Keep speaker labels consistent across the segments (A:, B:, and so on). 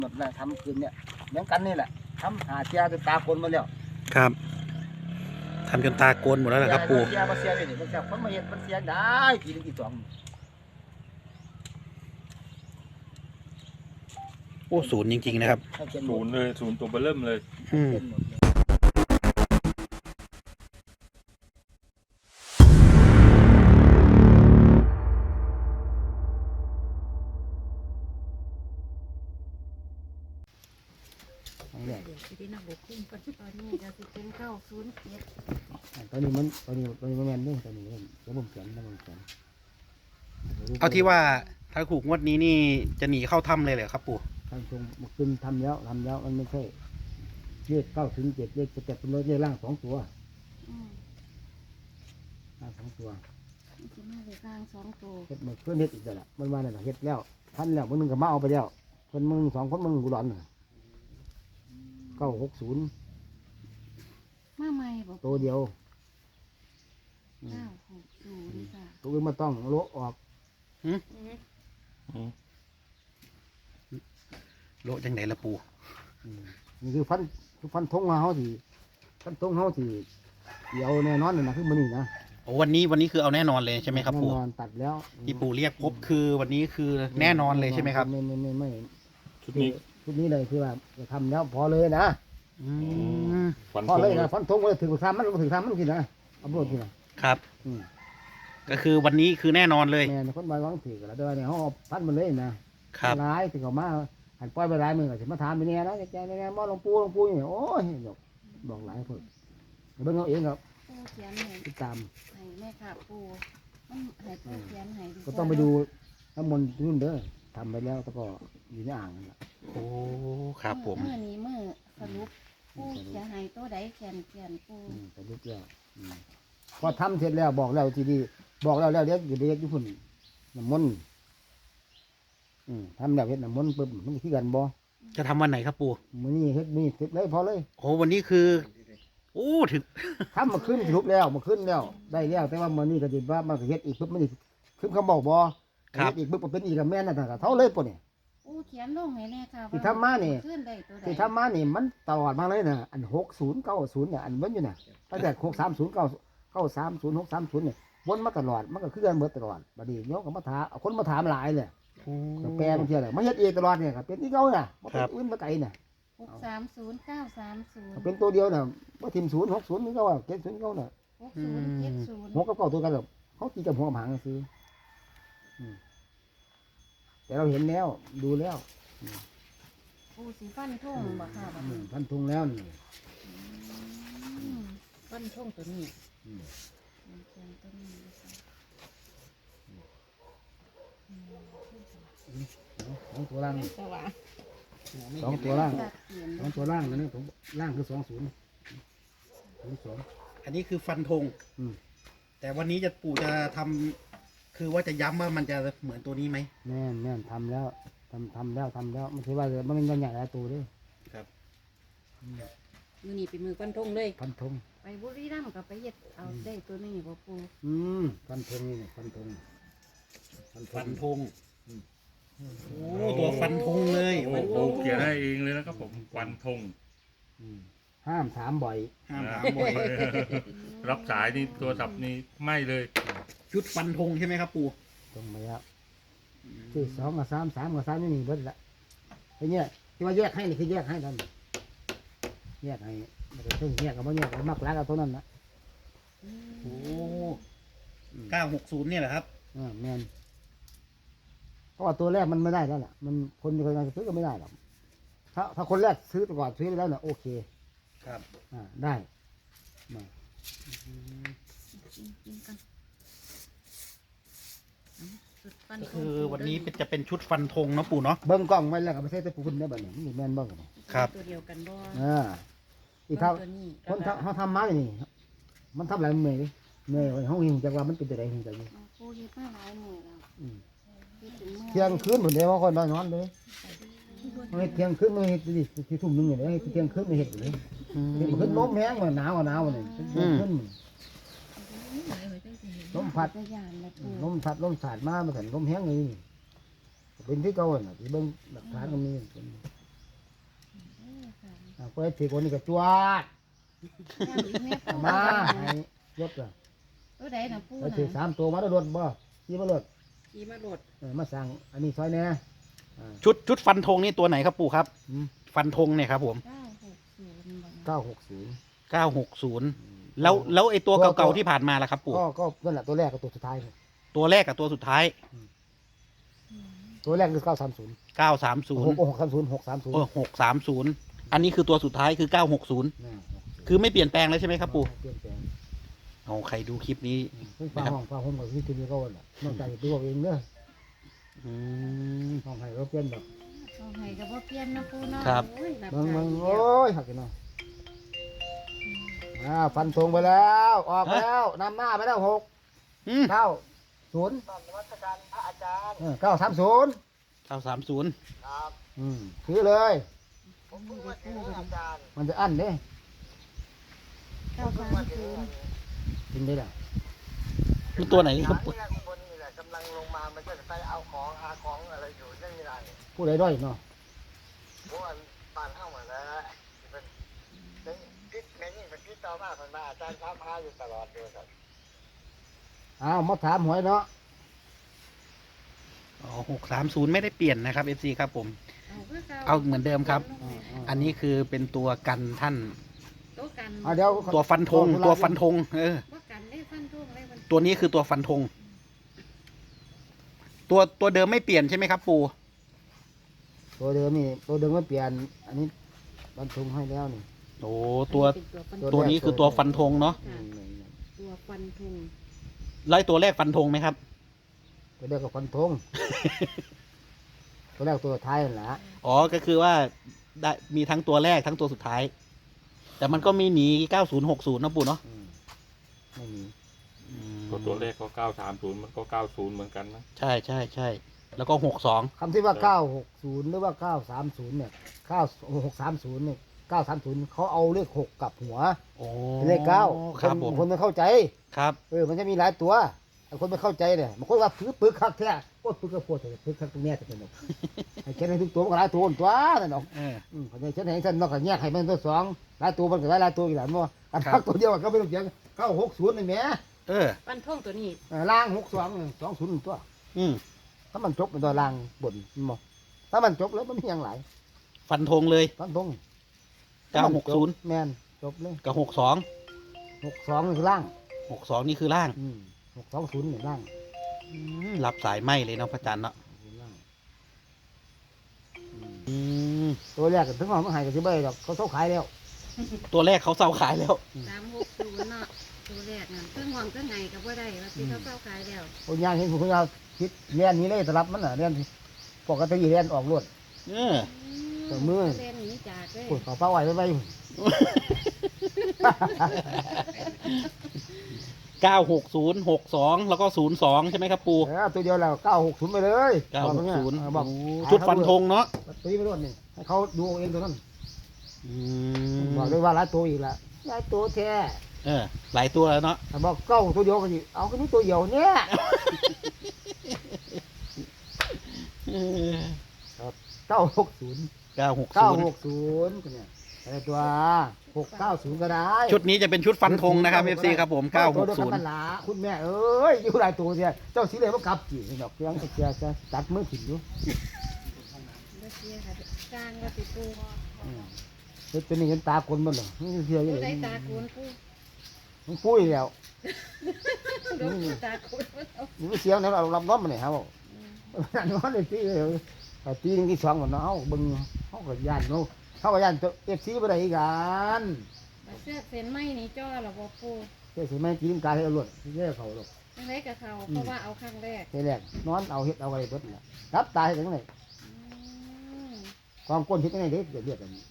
A: หมดแล้วทำคืนเนี่ยเหมือนกันนี่แหละทำหาเสียจนตาคนมาแล้ว
B: ครับทำจนตาโกนหมดแล้วเหรอครับปู่
A: เสียมาเสียเลยนี่มันเสียคนมาเห็นมันเสียได้ทีนึงทีสอง
B: โอ้ศูนย์จริงๆนะครับ
C: ศูนย์เลยศูนย์ตัวเบอร์เริ่มเลย
D: เดี๋ยวที่นักบุกขึ้นตอนนี้จะสิเป็น907
A: ตอนนี้มันแม่นนี่ตอนนี้เดี๋ยวผมเขียน
B: เอาที่ว่าถ้าถูกงวดนี้นี่จะหนีเข้าถ้ำเลยเหรอครับปู่
A: ทางชงมันขึ้นทำแล้วมันไม่ใช่เลข9 ถึง 7เลขจะเป็นเลขล่าง2 ตัวล่าง2 ตัว
D: จะมาเลขล่าง2 ตัว
A: เฮ็ดมันเพื่อนเฮ็ดอีกแล้วล่ะมันว่านั่นเฮ็ดแล้วท่านแล้วมึงก็มาเอาไปแล้วคนมึง2 คนมึงกูร้อน960
D: มาใหม่บอก
A: ตัวเดียว
D: 960ค่ะ
A: ตัวอื่นมาต้องโละออก
B: โลจังไหนละปู่
A: นี่คือฟันทงเขาสิฟันทงเขาสิเดี๋ยวแน่นอนเลยนะคือมันนี่นะ
B: โอ้วันนี้คือเอาแน่นอนเลยใช่ไหมครับปู่
A: แน่นอนตัดแล้ว
B: ที่ปู่เรียกพบคือวันนี้คือแน่นอนเลยใช่ไหมครับ
A: ไม่
C: ชุดนี้
A: เลยคือว่าจะทำแล้วพอเลยนะพอเลยนะฟันทงว่าถึงทำมันถึงทำมันกินนะเอาโบดกิน
B: นะครับก็คือวันนี้คือแน่นอนเลย
A: แม่คนใบวางถือแล้วแต่ว่าเนี่ยเขาพันมันเลยนะครับร้ายถึงเขามาหันปล่อยไปร้ายมือก็จะมาถามไปเนี่ยนะแกเนี่ยมอหลวงปู่เนี่ยโอ้ยบอกหลายคนเบิ่งเอาเองครับ
D: ปูเขียนให้
A: ติดตาม
D: ให้แม่ค่ะปูให้ปูเขียนให้
A: ก็ต้องไปดูน้ำมนต์รุ่นเด้อทำไปแล้วแล้วก็อยู่ในอ่างนั่นแหละ
B: โอ้ครับผม
D: เมื่อนี้เมื่อสรุปปูเขียนให้ตัวใดเขียนปู
A: สรุปแล้วพอทำเสร็จแล้วบอกแล้วทีดีบอกแล้วเดี๋ยวอยู่เด็กญี่ปุ่นน้ำมนต์ทำแบบเฮ็ดน้ำมนต์ปุ๊บมันขี้กันบ่
B: จะทำวันไหนครับปู่
A: มื้อนี้เฮ็ดนี่เสร็จเลยพอเลย
B: โอ้วันนี้คือโอ้ถึง
A: ทำมาขึ้นสรุปแล้วมาขึ้นแล้วได้แล้วแต่ว่ามื้อนี้ก็สิว่ามันเฮ็ดอีกปุ๊บมันขึ้นคำบอกบ่เฮ็ดอีกปุ๊บเป็นอีกกับแม่นั่นน่ะเท่าเลยปุ่นนี่
D: ปูเขียนลงให้แน่ค่ะ
A: ที่ทำมานี่ที่ทำมานี่มันตลอดมาเลยน่ะอัน60 90เนี่ยอันมันอยู่น่ะตั้งแต่630 930 630เนี่ยวนมาตลอดมันก็คือกันเบิดตลอดบัดนี้โยมก็มาถามคนมาถามหลายเลยแปลบางทีอะไรมาเฮ็ดเองตลอดเนี่ยครับเป็นที่เขาน่ะมาเป็นอื่นมาไกลน่ะ
D: 630 930
A: เป็นตัวเดียวน่ะว่าทีม0 60นี่เขาว่า70เขาน่ะ
D: 60 70
A: 6กับ9ตัวกันแบบเขาตีกับหัวกับหางซื้อแต่เราเห็นแล้วดูแล้ว
D: ปูสีฟันทุ่งบ่ค่ะ
A: ฟันทุ่งแล้วนี่
D: ฟันทุ่งตัวนี้
A: 2 ตัวล่าง2 ตัวล่าง2 ตัวล่างนั่นนี่ผมล่างคือ20
B: อันนี้คือฟันธงแต่วันนี้ปู่จะทำคือว่าจะย้ำว่ามันจะเหมือนตัวนี้ไหม
A: แน่นทำแล้วทำแล้วมันถือว่ามันเป็นใหญ่หลายตัวด้วย
B: ครับ
D: มือนี่เป็นมือฟันธงเลย
A: ฟันธง
D: ไปบุรีรัมย์กับไปเย็ดเอาได้ตัวนี้บ่ปู
A: ฟันธงนี่ฟันธง
B: โอ้ตัวฟันธงเลย
C: โอ้เขียนได้เองเลยนะครับผมฟันธง
A: ห้ามถามบ่อย
C: รับสายนี่ตัวสับนี่ไม่เลย
B: ชุดฟันธงใช่ไหมครับปู่
A: ตรงไปแล้วที่2 กับ 3 3 กับ 3นี่เบิดละไอ้เนี่ยที่ว่าแยกให้นี่คือแยกให้ท่านแยกให้ไม่ได้แยกกับบ่แยกกับมักรักเอาตัวนั้นนะ
B: โอ้960เนี่ยแหละครับ
A: แม่นเพราะว่าตัวแรกมันไม่ได้แล้วล่ะมันคนจะซื้อก็ไม่ได้หรอกถ้าคนแรกซื้อก่อนซื้อไปแล้วเนี่ยโอเค
B: ครับ
A: ได้
B: ก็คือวันนี้จะเป็นชุดฟันธงเนาะปู่เนาะ
A: เบิ้งกล้องไว้แล้วก็ไม่ใช่แต่ปูนได้แบบนี้นี่แม่นเบิ้ง
B: ครับ
D: ตัวเดียวกันบ่
A: อีกเท่าคนเขาทำมาอย่างนี้มันทำหลายเมื่อยเขาหิวจากว่ามันเป็นอะไรหิวจากนี้
D: ปูเฮ็ดมาหลายมื้อแล้ว
A: เที่ยงคืนผมเดี๋ยวคนนอนเลยเที่ยงคืนไม่เห็ดดิที่ทุ่มนึงอย่างนี้เที่ยงคืนไม่เห็ดเลยขึ้นลมแห้งเหมือนหนาวเลยขึ้นลมพัดลมสาดมาเหมือนลมแห้งเลยเป็นที่เก่าน่ะที่เบิ้งหลักฐานก็มีเปิดถือคนนี้ก็จวด
D: ย่ำอีกแม่ปู
A: มาให้ยกเลย
D: ตัวใดน่ะปู
A: ไป
D: น่ะ
A: ถือ3 ตัวมาแล้วรถบ่ขี่มารถ
D: ขี่มาโหลด
A: มาสั่งอันนี้ซอยแน่อ่า
B: ชุดฟันธงนี่ตัวไหนครับปู่ครับ
A: อืม
B: ฟันธงเนี่ยครับผม
D: 960
A: 960
B: แล้วไอ้ตัวเก่าๆที่ผ่านมาล่ะครับปู่
A: ก็นั่นแหละตัวแรกกับตัวสุดท้ายเนี่ย
B: ตัวแรกกับตัวสุดท้าย
A: ตัวแรกคือ930
B: 930
A: 630 630
B: 630อันนี้คือตัวสุดท้ายคือ960คือไม่เปลี่ยนแปลงแล้วใช่ไหมครับปู่
A: เปลี่ยนแปลง
B: เอาใครดูคลิปนี้
A: ซึ่งฟ้าห้องกับที่ตัวนี้ก็วันละนอกจากตัวเองเนอะ
B: อืม
A: ห้องให้เราเปลี่ยนแบบ
D: เอาให้ก็บ่เปลี่ยนนะปูเนาะ
B: ครับ
D: โอ้ยหลับ
A: มึง
D: ใจ
A: โอ้ยหักกันเนาะฟันธงไปแล้วออกแล้วนำหน้าไปแล้ว
B: อืม
A: 930 930
B: 930
A: ซื้อเลย มันจะอั้นเด้
D: 930
A: กินได้แล้ว
B: คือตัวไหนครับปู่
E: กำลังลงมา มันก็จะไปเอาของหาของอะไรอยู่นั่นไม่ได้
A: ผู้ใดด้อยเนาะ
E: เพราะว่าบ้านเข้ามาแล้วเป็นพิษแม่ยิ่งเป็นพิษต่อมาคนมาอาจารย์ท้าพาอยู่ตลอดเลยครับ
A: อ้าวมาถามหวยเนาะ
B: อ๋อ630ไม่ได้เปลี่ยนนะครับ FC ครับผม เอาเหมือนเดิมครับ อันนี้คือเป็นตัวกันท่าน
D: ตัวกัน
A: เดี๋ยว
B: ตัวฟันธง
D: ว่ากันได้ฟันธงได้มัน
B: ตัวนี้คือตัวฟันธงตัวเดิมไม่เปลี่ยนใช่ไหมครับปู่
A: ตัวเดิมนี่ตัวเดิมไม่เปลี่ยน อันนี้ฟันธงให้แล้วนี่
B: โอ้ตัว
D: เป็น
B: ตัวนี้คือตัวฟันธงเนาะ
D: ตัวฟันธง
B: ไล่ตัวแรกฟันธงไหมครับ
A: ตัวแรกก็ฟันธง ตัวแรกตัวท้ายนั่นแหละ
B: อ๋อก็คือว่าได้มีทั้งตัวแรกทั้งตัวสุดท้าย แต่มันก็มีหนี9060นะปู่เนาะ
A: ไม่มี
C: ตัวเลขก็930มันก็90เหมือนกันนะ
B: ใช่แล้วก็62
A: คำที่ว่า960หรือว่า930เนี่ย9630เนี่ย930เขาเอาเลข6กลับหัว
B: โอ้
A: เป็นเลข9
B: ครับผม
A: คนไม่เข้าใจ
B: ครับ
A: มันจะมีหลายตัวแต่คนไม่เข้าใจเนี่ยมันคนว่าปึกคักแท้โคตรปึกกระโพดเลยปึกคักตรงเนี้ยจะเป็นแบบให้เช่นให้ทุกตัวมันก็หลายตัวตัวนั่นเนาะ
B: เออ
A: คนนี้เช่นให้ฉันนอกจากแยกให้มันตัวสองหลายตัวมันก็หลายตัวอีกหลายมั้งอันพักตัวเดียวก็ไม่ต้องเสียง960นี่แหม
B: เออ
D: ฟันธงตัวนี้
A: ล่าง62 20ตัว
B: อืม
A: ถ้ามันจบเป็นตัวล่างบนมั้งถ้ามันจบแล้วมันมีอย่างไร
B: ฟันธงเลย
A: ฟันตรง
B: 960
A: แม่นจบเลย
B: กับ62
A: 62นี่คือล่าง
B: 62นี่คือล่าง
A: 620นี่ล่าง
B: รับสายไหมเลยเนาะพระจันทร์เนาะ
A: ล่าง
B: อืม
A: ตัวแรกถึงว่ามันหายกับที่ใบดอกเขาขายแล้ว
B: ตัวแรกเขาเซาขายแล้ว
D: 360เนาะตัวแรกนั่นเครื่องหวังเครื่องไงก็บ่ได้ว่าที่เขาเจ้าขายแล้ว
A: คนยางเห็นคนยางคิดเรียนนี้เลยสลับมันน่ะเรียนปกติเรียนออกรวด
B: เออ
A: ตัวมือ
D: เล่นหนี้จากเลย
A: ปวดเขาเป้าไว้ไป
B: 96062แล้วก็02ใช่ไหมครับปู่
A: ตัวเดียวแล้ว960ไปเลย
B: 960
A: บอก
B: ชุดฟันธงเนาะ
A: ตีไปรวดนี่ให้เขาดูเองตัวนั้น
B: อืม
A: บอกเลยว่าหลายตัวอีกละหลายตัวแท้
B: เออหลายตัวแล้วเนาะ
A: บอกตัวเดียวกันอีกเอาแค่นี้ตัวเดียวเนี่ย
B: เออ
A: 960
B: 960
A: 960กันเนี่ยอะไรตัว690ก็ได้
B: ชุดนี้จะเป็นชุดฟันธงนะครับ FC ครับผม
A: ตัวเดียวกันหลาคุณแม่เอ้ยอยู่หลายตัวเนี่ยเจ้าสีเหลืองมันกลับจีดอกเพียงจะตัดมือถิ่นอยู่
D: บ่เสียค่ะกลางว่าสิปู
A: เฮ็ดเป็นเห็นตาคนมันเหรอนี่เสียอยู่
D: ผู้
A: เล
D: ใด
A: ย
D: ตาโกนปู
A: มันปุ้ยแล้ว
D: ดอกผู้ตาโกนเอา
A: นี่เสียงนั้นเรารับน้อมมันเนี่ยครับนอนเลยตีเลยตีนึงที่สองมันเนาะบึงเขาก็ย่านเนาะเขาก็ย่านตัวFCบ่ได้กัน
D: บัดเสื้อเส้นไหมนี่จ้อหรอบ่ปู
A: เจ้าสิแม่ตีนกาให้เอารวดเจ้าเขาหรอก
D: จังไดกับเขาเพราะว่าเอาครั้งแรก
A: ทีแรกนอนเอาเฮ็ดเอาอะไรเบิดน่ะรับตายจังได๋
D: อืม
A: ความก้นเฮ็ดจังได๋เด้เรียกกัน
D: อืม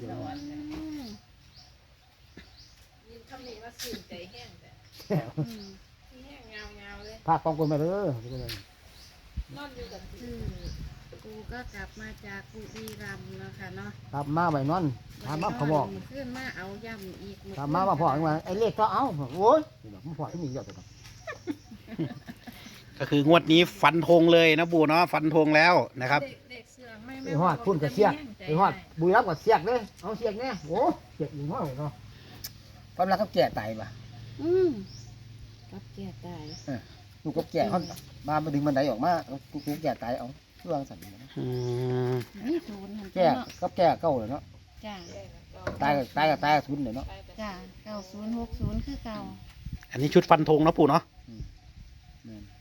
F: คำนี้ว่าสื่นใจแห้งแต่
D: อืม
F: ที่แห้งเงาเลย
A: พาความก้นมาเด้อน
F: อนอยู่กับที่
D: คือปูก็กลับมาจากบุรีรัมย์เนาะค่ะเนาะ
A: กลับมาไว้นอนถามมาเขาบอก
D: ขึ้นมาเอาย่ำอีก
A: ถามมาพ่อว่าไอ้เลขก็เอาโอ้ยมันพ่อที่มีเยอะจัง
B: ก็คืองวดนี้ฟันธงเลยนะปู่เนาะฟันธงแล้วนะครับ
F: เด็กเสือไม่
A: ไปฮอดพุ่นกับเสียกไปฮอดบุรีรัมย์กับเสียกเลยเอาเสียกเนี่ยโอ้เสียกอีกห้อยเนาะความรักเขาแก่ตายป่ะ
D: กับแก่ตาย
A: ลูกกับแก่เขามาดึงบันไดออกมาลูกแก่ตายเอาเรื่องสั่น
D: นี่ศูนย์หัน
A: แก่กับแก่เก่าเลยเนาะ
D: จ้า
A: ตายทุนเลยเนาะ
D: จ้า9060คือเก่า
B: อันนี้ชุดฟันธงเนาะปู่เนาะ
A: แม่น